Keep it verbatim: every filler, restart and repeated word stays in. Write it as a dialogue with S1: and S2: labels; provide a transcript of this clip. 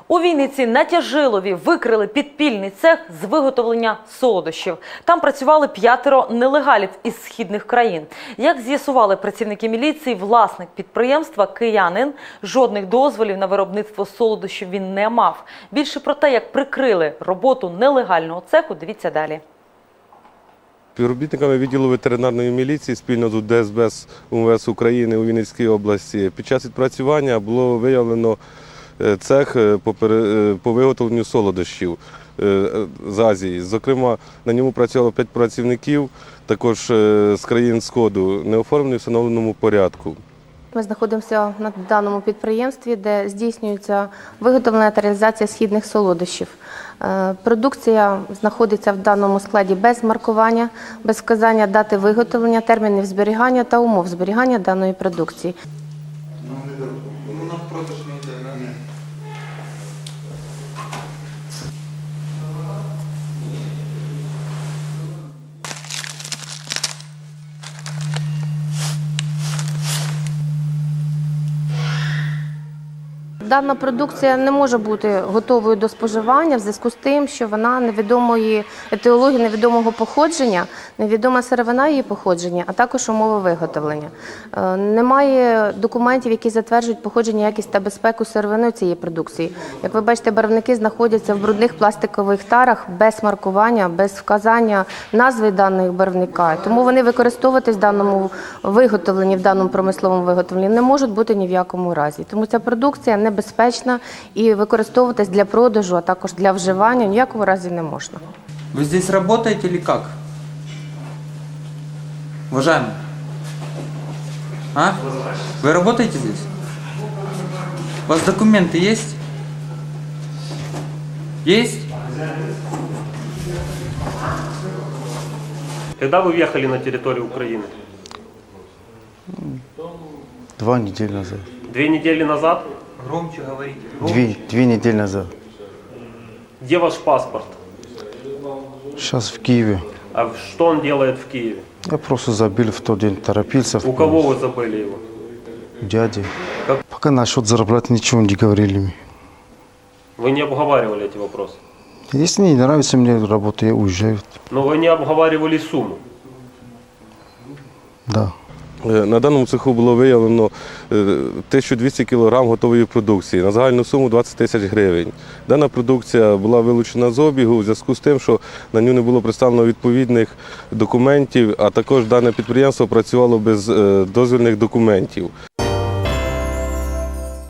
S1: У Вінниці на Тяжилові викрили підпільний цех з виготовлення солодощів. Там працювали п'ятеро нелегалів із східних країн. Як з'ясували працівники міліції, власник підприємства – киянин. Жодних дозволів на виробництво солодощів він не мав. Більше про те, як прикрили роботу нелегального цеху, дивіться далі.
S2: Співробітниками відділу ветеринарної міліції спільно з Де Ес Бе У Ем Ве Ес України у Вінницькій області під час відпрацювання було виявлено цех по виготовленню солодощів з Азії. Зокрема, на ньому працювало п'ять працівників, також з країн Сходу, не оформлені в встановленому порядку.
S3: Ми знаходимося на даному підприємстві, де здійснюється виготовлення та реалізація східних солодощів. Продукція знаходиться в даному складі без маркування, без вказання дати виготовлення, термінів зберігання та умов зберігання даної продукції. Дана продукція не може бути готовою до споживання в зв'язку з тим, що вона невідомої етіології, невідомого походження, невідома сировина її походження, а також умови виготовлення. Немає документів, які затверджують походження, якість та безпеку сировини цієї продукції. Як ви бачите, барвники знаходяться в брудних пластикових тарах без маркування, без вказання назви даного барвника. Тому вони використовуватись в даному виготовленні, в даному промисловому виготовленні не можуть бути ні в якому разі. Тому ця продукція не безпечна і використовуватись для продажу, а також для вживання ні в якому разі не можна.
S4: Ви здесь працюєте или як? Уважаемый? А? Вы работаете здесь? У вас документы есть? Есть?
S5: Когда вы въехали на территорию Украины?
S6: Два недели назад.
S5: Две недели назад?
S4: Громче говорите.
S6: Две, две недели назад.
S5: Где ваш паспорт?
S6: Сейчас в Киеве.
S5: А что он делает в Киеве?
S6: Я просто забил в тот день, торопился.
S5: У кого вы забыли его?
S6: У дяди.
S5: Как?
S6: Пока насчет зарплаты ничего не говорили.
S5: Вы не обговаривали эти вопросы?
S6: Если не нравится мне работа, я уезжаю.
S5: Но вы не обговаривали сумму?
S6: Да.
S2: На даному цеху було виявлено тисячу двісті кілограм готової продукції на загальну суму двадцять тисяч гривень. Дана продукція була вилучена з обігу у зв'язку з тим, що на нього не було представлено відповідних документів, а також дане підприємство працювало без дозвільних документів.